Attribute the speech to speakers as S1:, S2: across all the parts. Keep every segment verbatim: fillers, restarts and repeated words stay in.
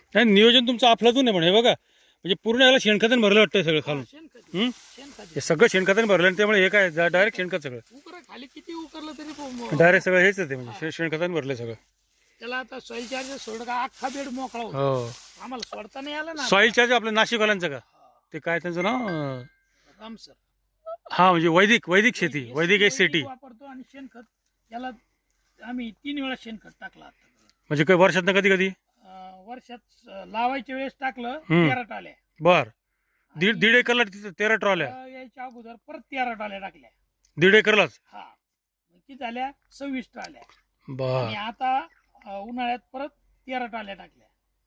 S1: नाही नियोजन तुमचं अफलातून आहे पण हे बघा म्हणजे पूर्ण याला शेणखताने भरलं वाटतं सगळं खालून. हम्म? हे सगळं शेणखताने भरलं आणि त्यामुळे हे काय डायरेक्ट शेणखत सगळं
S2: उकर खाली किती उकरलं तरी
S1: डायरेक्ट सगळं हेच आहे ते म्हणजे शे- शेणखताने भरलं सगळं.
S2: त्याला आता सॉइल चार्जर सोड का अख्खा बेड मोकळा होता.
S1: हो
S2: आम्हाला सोडता नाही आलं ना.
S1: सॉईल चार्ज आपलं नाशिकवाल्यांचं का ते काय त्यांचं नाव अं,
S2: राम सर
S1: हा म्हणजे वैदिक वैदिक शेती वैदिक एस सिटी
S2: वापरतो आणि शेणखत याला आम्ही तीन वेळा शेणखत टाकलं आता.
S1: म्हणजे काय वर्षात कधी कधी
S2: अं, वर्षात अं, लावायच्या वेळेस टाकलं
S1: हम्म.
S2: तेरा टाल्या.
S1: बर दीड दीड एकरला तिथं तेरा ट्रॉल्या
S2: अं, यायच्या अगोदर परत तेरा टाल्या टाकल्या.
S1: दीड एकरलाच.
S2: हा मग किती झाल्या सव्वीस टाल्या.
S1: बर
S2: आणि आता अं, उन्हाळ्यात परत तेरा टाल्या टाकल्या.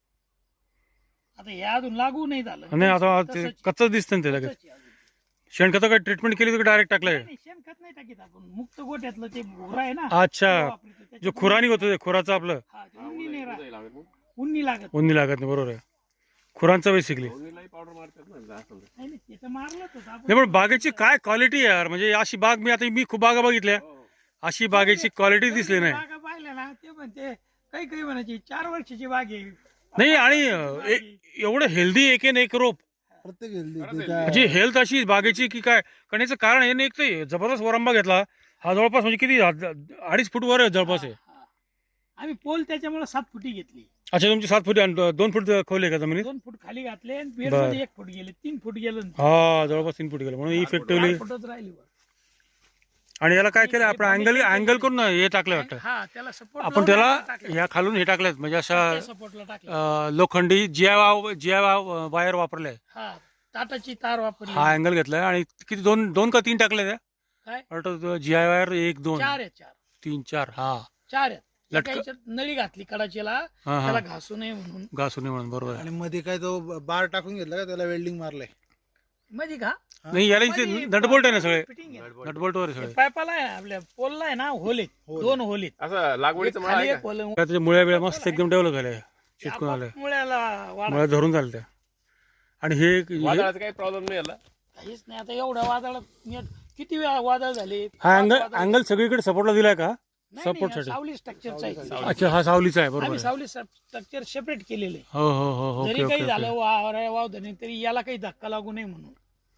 S2: आता हे अजून लागू नाही झालं.
S1: नाही आता ते
S2: तसंच-
S1: कच्च दिसतं ना ते लगेच.
S2: तसंच आहे अजून.
S1: शेणखत काय ट्रीटमेंट केली तर डायरेक्ट टाकलंय.
S2: नाही, नाही, शेणखत नाही टाकीत आपण मुक्त गोठ्यातलं ते घोरा आहे ना
S1: अच्छा
S2: ते वापरतो.
S1: जो
S2: त्याच्यात
S1: खुरानी होतं ते खुराचं आपलं
S2: हा, ते उन्नी नाही राहत. उन्नी लागत
S1: उन्नी लागत नाही बरोबर आहे खुरांचं बेसिकली.
S2: नाही नाही, ते तर मारलंच होतं आपण.
S1: नाही पण बागेची काय क्वालिटी यार म्हणजे अशी बाग मी आता मी खूप बागा बघितल्या अशी बागेची क्वालिटी दिसली नाही.
S2: बागा पाहिल्या ना ते म्हणते काही काही म्हणायची चार वर्षाची बाग आहे.
S1: नाही आणि अं, ए- एवढं हेल्दी एक न एक रोप
S3: प्रत्येक हेल्दी
S1: म्हणजे हेल्थ अशी बागेची की काय करण्याचं कारण हे नाही एक तर जबरदस्त वरंबा घेतला हा जवळपास म्हणजे किती हा- अडीच फूट वर आहे जवळपास आहे.
S2: हा. आम्ही पोल त्याच्यामुळे सात फुटी घेतली.
S1: अच्छा तुमची सात फूट आणि दोन फूट खोले का जमिनीत.
S2: दोन फूट खाली घातले आणि बेड
S1: बरं.
S2: मध्ये एक फूट गेले तीन फूट गेलं.
S1: हा जवळपास तीन फूट गेलं म्हणून इफेक्टिव्हली.
S2: चार फुटच राहिली वर.
S1: आणि याला काय केलं आपण अँगल अँगल करून हे टाकलं वाटतं
S2: हा त्याला सपोर्ट
S1: आपण त्याला ह्या खालून हे टाकलं म्हणजे अशा
S2: सपोर्टला टाकलं.
S1: अं, लोखंडी जिया जिया वायर वापरले
S2: हा टाटाची तार वापरली.
S1: हा अँगल घेतलाय आणि किती दोन दोन का तीन टाकले त्या
S2: काय
S1: वाटतं जिया वायर एक दोन
S2: चार आहे चार
S1: तीन चार हा
S2: चार आहेत.
S1: लटक-
S2: एका याच्यात नळी घातली कडाचीला
S1: हा हा
S2: त्याला घासू नये म्हणून.
S1: घासून म्हणून बरोबर आहे.
S3: आणि मध्ये काय तो बार टाकून घेतला का त्याला वेल्डिंग मारलंय.
S2: मध्ये का
S1: नाही याला इथे
S2: मध्ये
S1: नटबोल्ट आहे ना सगळे
S2: फिटिंग आहे.
S1: नटबोल्ट वर आहे सगळे.
S2: पाईपाला आहे आपल्या पोलला आहे ना होल आहेत.
S3: होल.
S2: दोन होल आहेत.
S4: असं लागवडीचं
S2: एक
S4: मला
S2: खाली
S4: आहे
S2: एक होल आहे.
S1: त्याच्या मुळ्या बिळ्या मस्त एकदम डेव्हलप झाल्या चिटकून आल्या
S2: मुळ्याला वाढ
S1: मुळ्या धरून झाल्या त्या. आणि हे हे-
S4: वादळाचा काही प्रॉब्लेम नाही आला.
S2: काहीच नाही. आता एवढ्या वादळात नीट किती वेळा वादळ झाले.
S1: हा अँगल
S2: वादळ-
S1: अँगल सगळीकडे सपोर्टला दिलाय का
S2: नाही, नाही,
S1: support
S2: हा
S1: साठी?
S2: सावली स्ट्रक्चरचा आहे.
S1: अच्छा हा सावलीचा आहे बरोबर
S2: आम्ही
S1: आहे.
S2: सावली स्ट्रक्चर सेपरेट केलेलं आहे.
S1: हो हो हो ओके
S2: जरी
S1: ओके
S2: काही झालं
S1: ओके
S2: वावर वाव नाही तरी याला काही धक्का लागू नये म्हणून.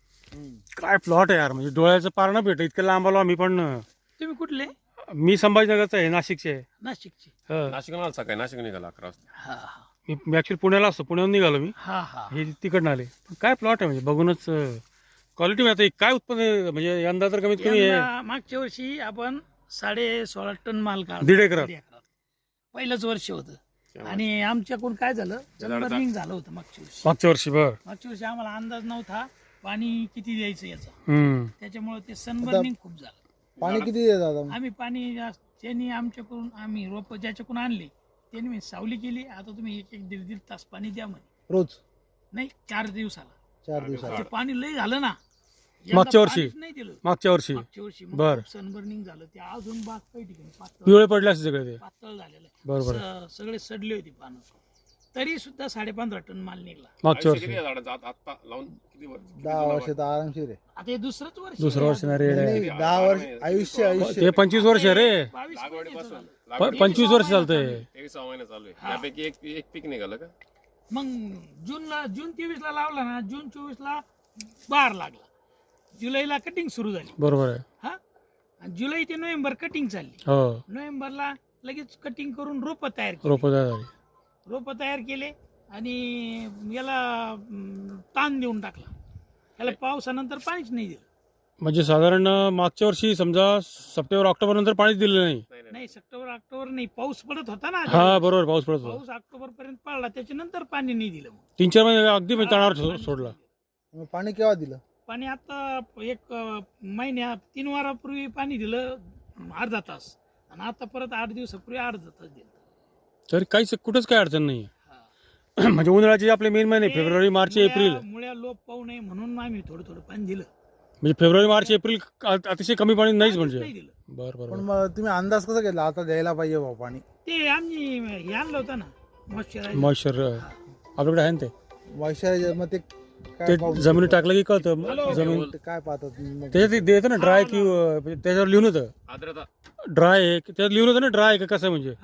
S1: काय प्लॉट आहे यार म्हणजे डोळ्याचं पार न भेट इतकं लांब आलो आम्ही पण.
S2: तुम्ही कुठले
S1: मी संभाजीनगरचा आहे नाशिकचे आहे.
S2: नाशिकचे.
S1: हो.
S4: नाशिक मला सकाळी नाशिक निघाला अकरा वाजता.
S2: हा हा
S1: मी मी ऍक्च्युली पुण्याला असतो पुण्याहून निघालो मी
S2: हा हा
S1: हे तिकडनं आले पण काय प्लॉट आहे म्हणजे बघूनच क्वालिटी आता काय उत्पन्न म्हणजे यंदा तर कमीत कमी हे
S2: यंदा मागच्या वर्षी आपण साडे सोळा टन माल काढला.
S1: दीड एकरात.
S2: दीड एकरात. पहिलंच वर्ष होतं आणि आमच्याकडून काय झालं सनबर्निंग झालं होतं मागच्या वर्षी.
S1: मागच्या वर्षी बर
S2: मागच्या वर्षी आम्हाला अंदाज नव्हता पाणी किती द्यायचं याचा.
S1: हम्म
S2: त्याच्यामुळे ते सनबर्निंग खूप झालं.
S3: पाणी किती देत आता.
S2: आम्ही पाणी जास्त- त्यांनी आमच्याकडून आम्ही रोप ज्याच्याकडून आणले त्यांनी मी सावली केली. आता तुम्ही एक एक दीड दीड तास पाणी द्या म्हणे.
S3: रोज
S2: नाही चार दिवसाला.
S3: चार दिवसात.
S2: ते पाणी लय झालं ना. यंदा
S1: मागच्या वर्षी?
S2: पाणीच नाही दिलं
S1: मागच्या वर्षी
S2: मागच्या वर्षी.
S1: बर.
S2: सनबर्निंग झालं ते अजून बाग काही ठिकाणी पातळ
S1: पिवळे पडले असते सगळे ते
S2: पातळ झालेलं आहे.
S1: बरोबर
S2: स- सगळे सडले होते पानं तरी सुद्धा साडेपंधरा टन माल निघला.
S1: मागच्या
S4: आयुष्य
S1: वर्षी
S4: किती आहे झाडाचं? आता आता लावून किती वर्ष किती
S3: दहा
S4: जुना
S3: वर्ष तर आरामशीर आहे.
S2: आता हे दुसरंच वर्ष
S1: दुसरं
S2: आहे.
S1: वर्ष ना रेड
S3: नाही,
S1: आहे
S3: नाही, दहा वर्ष आयुष्य आयुष्य
S1: ते पंचवीस वर्ष आहे रे
S2: बावीस महिन्याचं
S4: लागवडीपासून
S2: झालं.
S4: लागवडी
S1: पंचवीस वर्ष चालतंय.
S4: तेवीस महिने चालू आहे.
S2: हा.
S4: त्यापैकी एक एक पीक निघालं का?
S2: मग जूनला जून तेवीस ला लावला ना जून चोवीस ला बार लागला. जुलैला कटिंग सुरू झाली.
S1: बरोबर आहे
S2: हा आणि जुलै ते नोव्हेंबर कटिंग चालली.
S1: हो
S2: नोव्हेंबरला लगेच कटिंग करून रोप तयार केली.
S1: रोप झाली
S2: रोप तयार केले आणि याला अं, ताण देऊन टाकला. याला पावसानंतर पाणीच नाही दिलं.
S1: म्हणजे साधारण मागच्या वर्षी समजा सप्टेंबर ऑक्टोबर नंतर पाणीच दिलं नाही.
S4: नाही नाही
S2: नाही सप्टेंबर ऑक्टोबर नाही पाऊस पडत होता ना.
S1: हा बरोबर पाऊस पडत होता
S2: पाऊस ऑक्टोबर पर्यंत पडला त्याच्यानंतर पाणी नाही दिलं. मग
S1: तीन चार महिने अगदी म्हणजे तणावर सो- सोडला.
S3: मग पाणी केव्हा दिलं.
S2: पाणी आता एक अं, महिन्या तीन वारापूर्वी पाणी दिलं अर्धा तास आणि आता परत आठ दिवसापूर्वी अर्धा तास दिलं.
S1: तरी काहीच कुठंच काही अडचण नाही
S2: हा.
S1: म्हणजे उन्हाळ्याचे आपले मेन महिने फेब्रुवारी मार्च
S2: मुळ्या-
S1: एप्रिल
S2: मुळ्या लोप पाहू नये म्हणून आम्ही थोडं थोडं पाणी दिलं.
S1: म्हणजे फेब्रुवारी मार्च एप्रिल अ- अतिशय कमी पाणी नाहीच म्हणजे
S2: नाही दिलं.
S1: बरं बरं
S3: पण
S1: बरं.
S3: मग तुम्ही अंदाज कसा घेतला आता द्यायला पाहिजे भाऊ पाणी.
S2: ते आम्ही हे आणलं होतं ना मॉइश्चरायझर.
S1: मॉइश्चर आपल्याकडे आहे ना ते
S3: मॉइश्चरायझर मग ते
S1: ते
S3: काय पाहू-
S1: जमिनीत टाकलं की कळतं
S2: हॅलो.
S1: जमीन
S3: ते काय पाहतात मग.
S1: त्याच्यात देतं ना ड्राय की अ, त्याच्यावर लिहून होतं
S4: आर्द्रता
S1: ड्राय आहे त्याच्यात लिहून होतं ना ड्राय का कसं म्हणजे
S2: हा.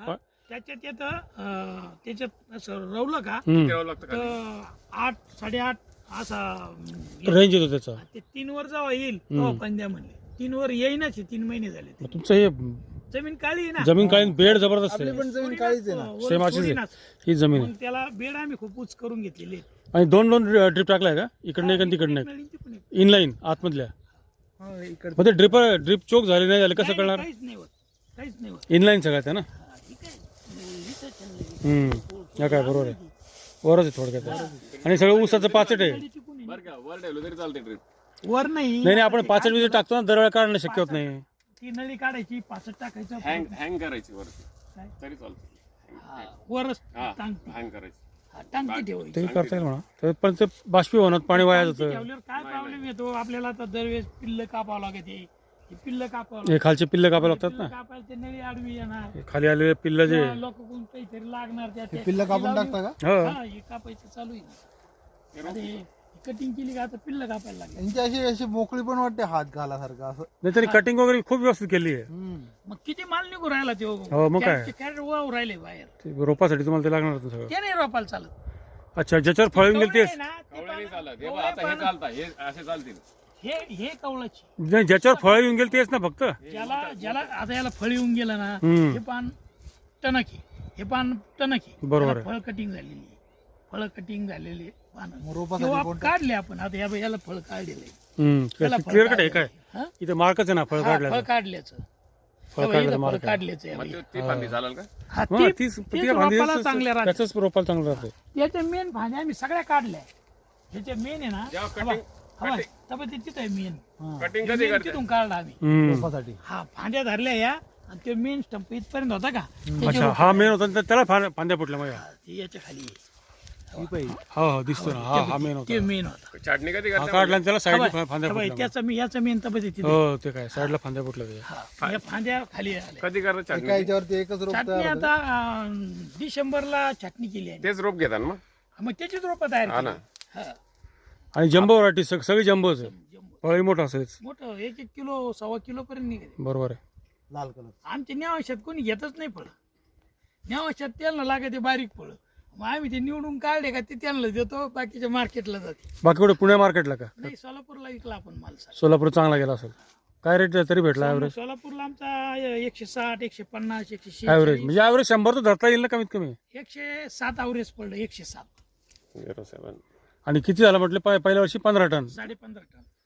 S2: त्याच्यात येतं अं, त्याच्यात असं रवलं का
S1: हम्म.
S4: करावं लागतं का
S2: तर आठ साडेआठ असा अं,
S1: रेंज येतो त्याचा
S2: ते तीन वर जेव्हा येईल तेव्हा पंद्या म्हणले तीन वर येईनाच आहे, तीन महिने झाले ते.
S1: मग तुमचं हे
S2: जमीन काळी आहे ना
S1: जमीन काळी बेड जबरदस्त
S3: आपली
S1: आहे
S3: पण जमीन काळीच आहे ना
S2: वर
S1: सेम अशीच आहे.
S2: सोडीनाच.
S1: ही जमीन आहे
S2: मग त्याला बेड आम्ही खूप उच करून घेतलेले आहेत.
S1: आणि दोन दोन ड्रिप टाकलाय का इकडनं एक आणि तिकडनं एक
S2: नळींची पण एक.
S1: इनलाईन आतमधल्या
S3: हा, इकडे
S1: मग ते ड्रिप ड्रिप चोक झाले नाही झाले कसं
S2: नाही,
S1: कळणार
S2: काहीच नाही होत काहीच नाही होत
S1: इनलाईन सगळ्यात आहे ना
S2: हा, ठीक आहे. इथंच आहे ना.
S1: हम्म या काय बरोबर आहे वरच आहे थोडक्यात आणि सगळं ऊसाचं पाचट आहे
S2: नळीची कोणी
S4: बरं का वर ठेवलं तरी चालते ट्रिप
S2: वर नाही
S1: नाही नाही आपण पाचट विजय टाकतो ना दरवेळा काढणं शक्य होत नाही
S2: ती नळी काढायची पाचट टाकायचं
S4: हँग हँग करायची वरती
S2: काय?
S4: तरी चालते
S2: हा, वरच
S4: हा
S2: टांगती
S4: हँग करायची
S2: हा, टांगती ठेवायची
S1: ते करता येईल म्हणा तर पण ते बाष्पीभवनात पाणी वाया
S2: टांगती
S1: जातं
S2: ठेवल्यावर काय प्रॉब्लेम येतो आपल्याला आता दरवेळेस पिल्ल कापावं लागते हे पिल्ल कापावं
S1: हे खालचे पिल्ले कापायला लागतात
S2: पिल्लं
S1: ना
S2: कापायला ते नळी आडवी येणार
S1: हे खाली आलेले पिल्ल जे
S2: लोक कोण काहीतरी लागणार त्या
S3: हे पिल्लं कापून टाकता का
S1: हो
S2: हा हे कापायचं चालू आहे ना. आता हे कटिंग केली का आता पिल्ल कापायला लागले
S3: यांची अशी अशी मोकळी पण वाटते हात घालासारखं असं
S1: नाही तरी कटिंग वगैरे खूप व्यवस्थित केली आहे
S3: हम्म.
S2: मग किती माल निघू राहिला ते
S1: हो, मग काय?
S2: कॅरेट वाव राहिले बाहेर
S1: ते रोपासाठी तुम्हाला ते लागणार होतं सगळं
S2: ते नाही रोपायला चालत
S1: अच्छा ज्याच्यावर फळ येऊन गेले
S2: कवळे
S1: तेच
S2: आहे ना, ते
S4: कवळे नाही
S2: पानं-
S4: चालत हे
S2: कवळे
S4: बघ, आता हे
S2: पानं-
S4: चालतात हे असे चालतील
S2: हे हे कवळाची
S1: नाही, ज्याच्यावर फळ येऊन गेले तेच ना फक्त
S2: ज्याला ज्याला आता याला फळ येऊन गेलं ना
S1: हम्म.
S2: हे पान टणक आहे हे पान टणक आहे
S1: बरोबर
S2: त्याला फळ कटिंग झालेली आहे फळ कटिंग झालेली पान
S3: मग रोपासाठी
S2: किंवा
S3: कोणतं?
S2: काढले आपण आता या- याला फळ काढलेलं आहे
S1: हम्म
S2: त्याला फळ
S1: क्लिअर कट आहे काय
S2: काढलेलं आहे. हा?
S1: इथे मार्कच आहे ना फळ
S2: हा, फळ
S1: काढल्याचं
S2: काढल्याचं
S1: फळ
S2: तेव्हा
S1: काढल्याचं
S2: इथं फळ
S1: मार्क आहे.
S2: काढल्याचं आहे
S4: मग
S2: बाई.
S4: ते- ती फांदी चालेल का
S2: हा,
S1: हा,
S2: ती-
S1: तीच
S2: तीच
S1: ती
S2: रोपाला
S1: फांदी
S2: चांगल्या राहते
S1: त्याच रोपाला चांगलं राहते
S2: त्याच्या मेन भाज्या आम्ही सगळ्या काढल्या ह्याच्या मेन आहे ना
S4: जेव्हा
S2: हवा
S4: कटिंग
S2: हवा तब ते तिथं आहे मेन
S3: हा,
S4: कटिंग कधी करते
S2: तिथून काढला आम्ही
S1: हम्म.
S3: रोपासाठी
S2: हा फांद्या धरल्या या आणि ते मेन स्टंप इथपर्यंत होता का त्याच्या
S1: अच्छा
S2: रोपाला-
S1: हा मेन होता आणि त्याला फां- फांद्या फुटल्या मग
S2: हा, ते याच्या खाली आहे.
S3: ही पाहिजे
S1: हो हो दिसतो ना हा हा मेन होता
S2: ते मेन होता
S4: छाटणी कधी
S1: हा
S4: करते
S1: काढला आणि त्याला साईडला
S2: हवा-
S1: फांद्या
S2: हवा,
S1: फुटल्या
S2: त्याचा मी याचा मेन तब तिथे
S1: हो ते काय साईडला फांद्या फुटल्या त्याच्या
S2: हा, या फांद्या खाली आल्या
S4: कधी करत
S3: एका
S4: छाटणी
S3: याच्यावरती एकच रोप
S2: छाटणी
S3: तयार होतं.
S2: आता अं, डिसेंबरला छाटणी केली आहे
S4: तेच रोप घेतात मग
S2: मग त्याचीच रोपं तयार
S4: हा
S2: केली
S4: ना.
S2: हा,
S1: आणि जम्बो व्हरायटी सगळी जम्बोच आहे
S2: जम्बो.
S1: फळही मोठं असेलच
S2: मोठं एक एक किलो सव्वा किलो पर्यंत निघते
S1: बरोबर आहे
S3: लाल कलर
S2: आमच्या न्यावशात कोणी घेतच नाही फळ न्यावशात त्यांना लागते बारीक फळ मग आम्ही ते निवडून काढले का ते त्यांना देतो बाकीच्या मार्केटला जाते
S1: बाकी कुठे पुणे मार्केटला का
S2: नाही सोलापूरला विकला आपण माल सारा.
S1: सोलापूर चांगला गेला असेल काय रेट तरी भेटला ॲव्हरेज
S2: सोलापूरला आमचा एकशे साठ एकशे पन्नास एकशे
S1: ॲव्हरेज
S2: शेहेचाळीस
S1: म्हणजे ॲव्हरेज शंभर तर धरता येईल ना कमीत कमी
S2: एकशे सात अवरेज पडलं एकशे सात
S4: झिरो सेवन
S1: आणि किती झालं म्हटलं पहि- पहिल्या वर्षी पंधरा टन
S2: साडे पंधरा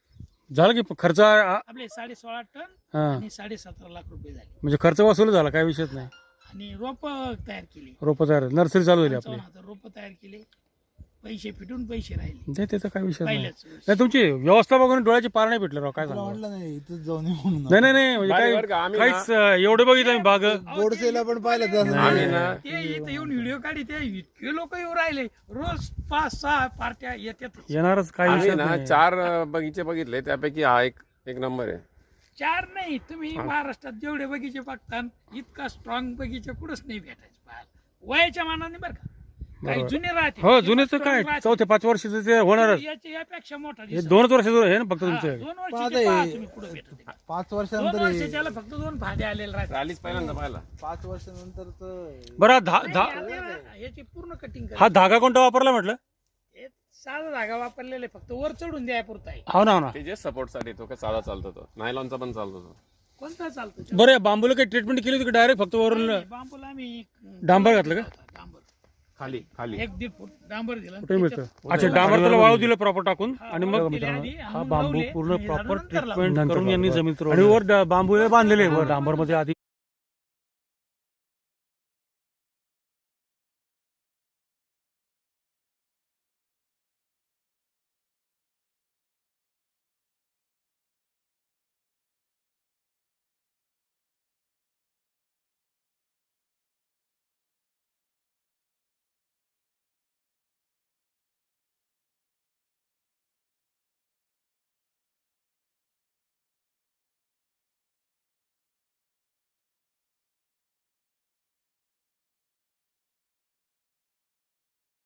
S2: टन
S1: झालं की खर्च आ-
S2: आपले साडे सोळा टन
S1: हा
S2: आणि साडे सतरा लाख रुपये झाले
S1: म्हणजे खर्च वसूल झाला काय विषयच नाही
S2: आणि रोप तयार केली
S1: रोपं तयार नर्सरी चालू झाली आपली
S2: पंचावन्न हजार रोप तयार केले पैसे फिटून पैसे राहिले
S1: नाही त्याचा काय विषय नाही
S2: पहिल्याच वर्षी.
S1: नाही तुमची व्यवस्था बघून डोळ्याची पार नाही भेटलं राव काय
S3: तुला
S1: सांगू
S3: म्हटलं नाही इथंच जाऊन ये म्हणून
S1: नाही नाही नाही म्हणजे
S4: बाई
S1: काय
S4: बरं का, आम्ही
S1: काहीच अं, एवढे बघितलं मी बाग
S2: अहो,
S3: गोडसेला
S2: ते
S3: पण पाहिलं तसं
S4: आम्ही ना
S2: ते इथं येऊन व्हिडिओ काढी ते इतके लोक येऊ राहिले रोज पाच सहा पार्ट्या येतात
S1: येणारच काय
S4: आम्ही
S1: विषय
S4: ना
S1: नाही
S4: चार अं, बगीचे बघितले त्यापैकी हा एक एक नंबर आहे
S2: चार नाही तुम्ही महाराष्ट्रात जेवढे बगीचे बघता इतका स्ट्रॉंग बगीचे कुठंच नाही भेटायचं पाहायला वयाच्या मानाने बरं का काही
S1: बरोबर.
S2: जुने राहते
S1: हो
S2: ते
S1: जुनेच
S2: strong
S1: काय
S2: राहते.
S1: चौथे पाच वर्ष ते होणारच
S2: याच्या यापेक्षा मोठा
S1: हे
S2: दिसेल.
S1: दोनच वर्ष आहे ना फक्त
S2: हा,
S1: तुमचे
S2: दोन
S3: आता
S2: वर्षाचे
S3: हे-
S2: पहा तुम्ही कुठं भेटत आहे.
S3: पाच
S2: दोन
S3: वर्षानंतर
S2: वर्ष
S3: हे-
S2: त्याला फक्त दोन फांदे आलेले राहते
S4: आलीच पहिल्यांदा पाहिला
S3: पाच वर्षानंतर
S1: बरं हा धा
S2: नाही,
S1: धा
S2: आता ना, याची पूर्ण कटिंग
S1: हा धागा कोणता वापरला म्हटलं
S2: साधा धागा वापरलेले फक्त वर चढून द्याय पुरता आहे
S1: हो ना हो ना
S4: ते जे सपोर्ट साठी तो का साधा चालतो तो नायलॉनचा पण चालतो तो
S2: कोणता चालतो
S1: बरं या बांबूला काही ट्रीटमेंट केली होती डायरेक्ट फक्त वरून
S2: बांबूला आम्ही
S1: डांबर घातलं का?
S2: डांबर
S4: खाली खाली
S2: एक दीड फूट डांबर दिला
S1: कुठे मिळतं अच्छा डांबर त्याला वाळू दिलं प्रॉपर टाकून आणि मग
S2: दिले आधी,
S1: हा
S2: आणि
S1: बांबू
S2: लावले,
S1: पूर्ण
S2: आणि
S1: प्रॉपर
S2: झाडं नंतर
S1: ट्रीटमेंट करून यांनी जमीन आणि वर डा- बांबू हे बांधलेले वर डांबर मध्ये आधी